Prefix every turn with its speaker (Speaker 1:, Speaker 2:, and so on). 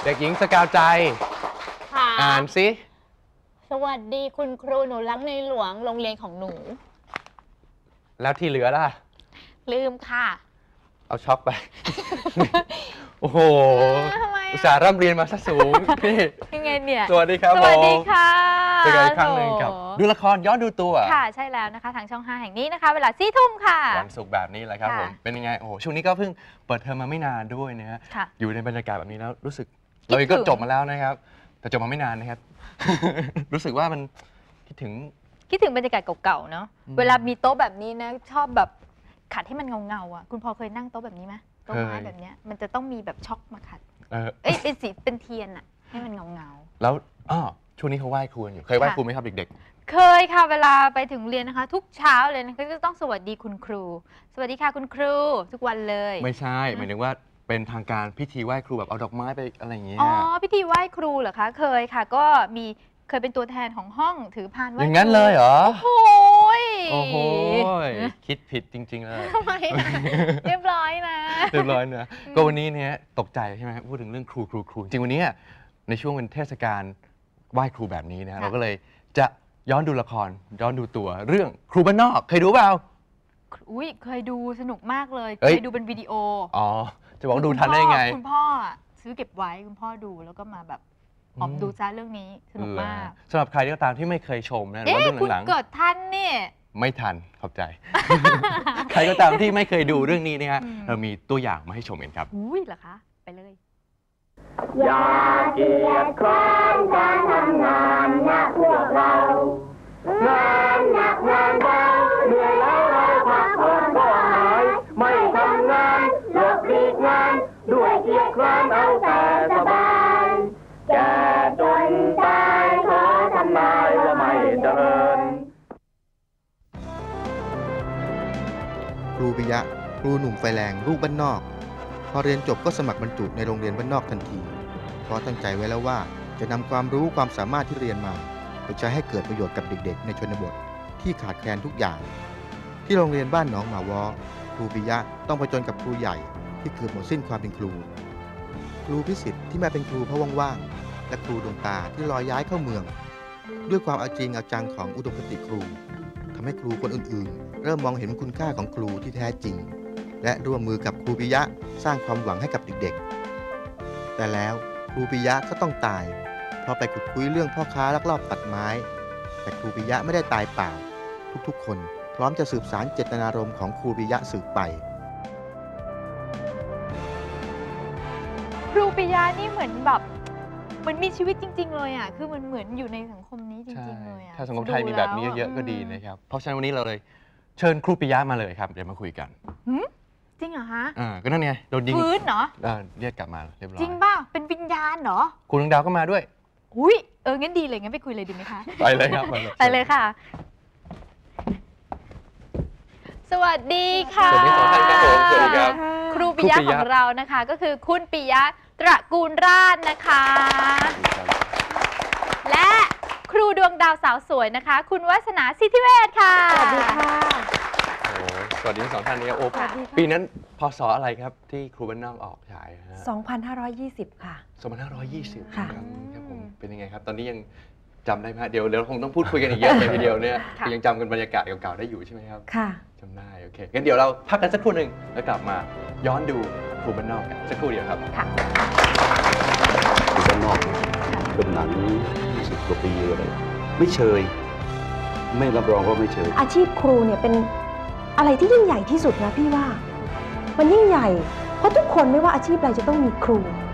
Speaker 1: ด็กหญิงสกาวใจอ่านสิ
Speaker 2: สวัสดีคุณครูหนูรักในหลวงโรงเรียนของหนู
Speaker 1: แล้วที่เหลือล่ะ
Speaker 2: ลืมค่ะ
Speaker 1: เอาช็อกไป โอ้โหอุตส่าห์ร่ำเรียนมาซะสูงพี่
Speaker 2: ยังไงเนี่ย
Speaker 1: สวัสดีครับ
Speaker 2: สวัสดีค่ะ
Speaker 1: เจอกันอีกครั้งหนึ่งกับดูละครย้อนดูตัว
Speaker 2: ค่ะใช่แล้วนะคะทางช่อง 5 แห่งนี้นะคะเวลา4 ทุ่มค่ะ
Speaker 1: วันศุกร์แบบนี้แหละครับผมเป็นยังไงโอ้โหช่วงนี้ก็เพิ่งเปิดเทอมมาไม่นานด้วยนะฮะอยู่ในบรรยากาศแบบนี้แล้วรู้สึกเราก็จบมาแล้วนะครับแต่จบมาไม่นานนะครับ รู้สึกว่ามันคิดถึง
Speaker 2: บรรยากาศเก่าๆเนาะเวลามีโต๊ะแบบนี้นะชอบแบบขัดให้มันเงาๆอ่ะคุณพอเคยนั่งโต๊ะแบบนี้ไหมโต๊ะไม้แบบนี้มันจะต้องมีแบบช็อกมาขัดเป็นสีเป็นเทียนอ่ะให้มันเงา
Speaker 1: แล้วช่วงนี้เขาไหว้ครูอยู่เคยไหว้ครูไหมครับเด็ก
Speaker 2: ๆเคยค่ะเวลาไปถึงเรียนนะคะทุกเช้าเลยนะก็จะต้องสวัสดีคุณครูสวัสดีค่ะคุณครูทุกวันเลย
Speaker 1: ไม่ใช่หมายถึงว่าเป็นทางการพิธีไหว้ครูแบบเอาดอกไม้ไปอะไรอย่างเงี้ย
Speaker 2: อ๋อพิธีไหว้ครูเหรอคะเคยค่ะก็เคยเป็นตัวแทนของห้องถือพานไหว้
Speaker 1: อย่างนั้นเลยเหรอ
Speaker 2: โอ้โห
Speaker 1: คิดผิดจริงๆเลย
Speaker 2: ทำไมเรียบร้อยนะ
Speaker 1: เรียบร้อยนะก็วันนี้เนี่ยตกใจใช่ไหมพูดถึงเรื่องครูจริงวันนี้ในช่วงเป็นเทศกาลไหว้ครูแบบนี้นะเราก็เลยจะย้อนดูละครย้อนดูตัวเรื่องครูบ้านนอกเคยดูเปล่า
Speaker 2: อุ้ยเคยดูสนุกมากเลยเคยดูเป็นวิดีโอ
Speaker 1: อ๋อจะบอกดูทันได้ไง
Speaker 2: คุณพ่อซื้อเก็บไว้คุณพ่อดูแล้วก็มาแบบออกดูจ้าเรื่องนี้สนุกมาก
Speaker 1: สำหรับใครก็ตามที่ไม่เคยชมนะหรือว่าเรื่องหลัง
Speaker 2: คุณเกิดทันเนี่ย
Speaker 1: ไม่ทันขอบใจ ใครก็ตามที่ไม่เคยดูเรื่องนี้นะฮะเรามีตัวอย่างมาให้ชมกันครับ
Speaker 2: อุ้ยเหรอคะไปเลย
Speaker 3: อย่าเกียจคร้านการทำงานนะพวกเรางานหนักงานเบาเหนื่อยแล้วเราพักผ่อนก็หายไม่ทำงานหลบหลีกงานด้วยเกียจคร้านเอาแต่สบายแก่จนตายขอทำนายว่าไม่เจริญ
Speaker 4: ครูปิยะครูหนุ่มไฟแรงลูกบ้านนอกพอเรียนจบก็สมัครบรรจุในโรงเรียนบ้านนอกทันทีเพราะตั้งใจไว้แล้วว่าจะนำความรู้ความสามารถที่เรียนมาไปใช้ให้เกิดประโยชน์กับเด็กๆในชนบทที่ขาดแคลนทุกอย่างที่โรงเรียนบ้านหนองหมาวอครูปิยะต้องผจญกับครูใหญ่ที่เกือบหมดสิ้นความเป็นครูครูพิสิทธิ์ที่มาเป็นครูเพราะว่างๆและครูดวงตาที่ลอยย้ายเข้าเมืองด้วยความเอาจริงเอาจังของอุดมคติครูทำให้ครูคนอื่นๆเริ่มมองเห็นคุณค่าของครูที่แท้จริงและร่วมมือกับครูปิยะสร้างความหวังให้กับเด็กๆแต่แล้วครูปิยะก็ต้องตายเพราะไปขุดคุยเรื่องพ่อค้าลักลอบตัดไม้แต่ครูปิยะไม่ได้ตายเปล่าทุกๆคนพร้อมจะสืบสานเจตนารมณ์ของครูปิยะสืบไป
Speaker 2: ครูปิยะนี่เหมือนแบบเหมือนมีชีวิตจริงๆเลยอ่ะคือมันเหมือนอยู่ในสังคมนี้จริงๆเลยอ่ะ
Speaker 1: ถ้าสังคมไทยมีแบบนี้เยอะๆก็ดีนะครับเพราะฉะนั้นวันนี้เราเลยเชิญครูปิยะมาเลยครับเดี๋ยวมาคุยกัน
Speaker 2: จริงเหรอฮะ
Speaker 1: ก็นั่นไงโดนยิง
Speaker 2: ฟื้นเหรอ
Speaker 1: เรียกกลับมาเรียบร้อย
Speaker 2: จริงป่ะเป็นวิญญาณเหรอ
Speaker 1: ครูดวงดาวก็มาด้วย
Speaker 2: อุ้ยงั้นดีเลยงั้นไปคุยเลยดีไหมคะ
Speaker 1: ไปเลยครับ
Speaker 2: ไปเลยค่ะสวัสดีค่ะ
Speaker 1: สวัสดีสองท่านครับผมสวัสดีครับ
Speaker 2: ครูปิยะของเรานะคะก็คือคุณปิยะตระกูลราชนะคะและครูดวงดาวสาวสวยนะคะคุณวาสนาสิทธิเวชค่ะ
Speaker 5: สวัสดีค่ะ
Speaker 1: สวัสดีทั้งสองท่านนี้โอ้ปีนั้นพศอะไรครับที่ครูบ้านนอกออกฉาย
Speaker 5: 2520 ค่ะ
Speaker 1: 2520ครับผมเป็นยังไงครับตอนนี้ยังจำได้ไหมเดี๋ยวคงต้องพูดคุยกันอีกเยอะเลยทีเดียวเนี่ยยังจำกันบรรยากาศเก่าๆได้อยู่ใช่ไหมครับ
Speaker 5: ค่ะ
Speaker 1: จำได้โอเคงั้นเดี๋ยวเราพักกันสักครู่หนึ่งแล้วกลับมาย้อนดูครูบ้านนอกกันสักครู่เดียวครับ
Speaker 2: ค่ะ
Speaker 6: ครูบ้านนอกเป็นหนัง20 กว่าปีเลยไม่เชยไม่รับรองว่าไม่เชย
Speaker 5: อาชีพครูเนี่ยเป็นอะไรที่ยิ่งใหญ่ที่สุดนะพี่ว่ามันยิ่งใหญ่เพราะทุกคนไม่ว่าอาชีพอะไรจะต้องมีครู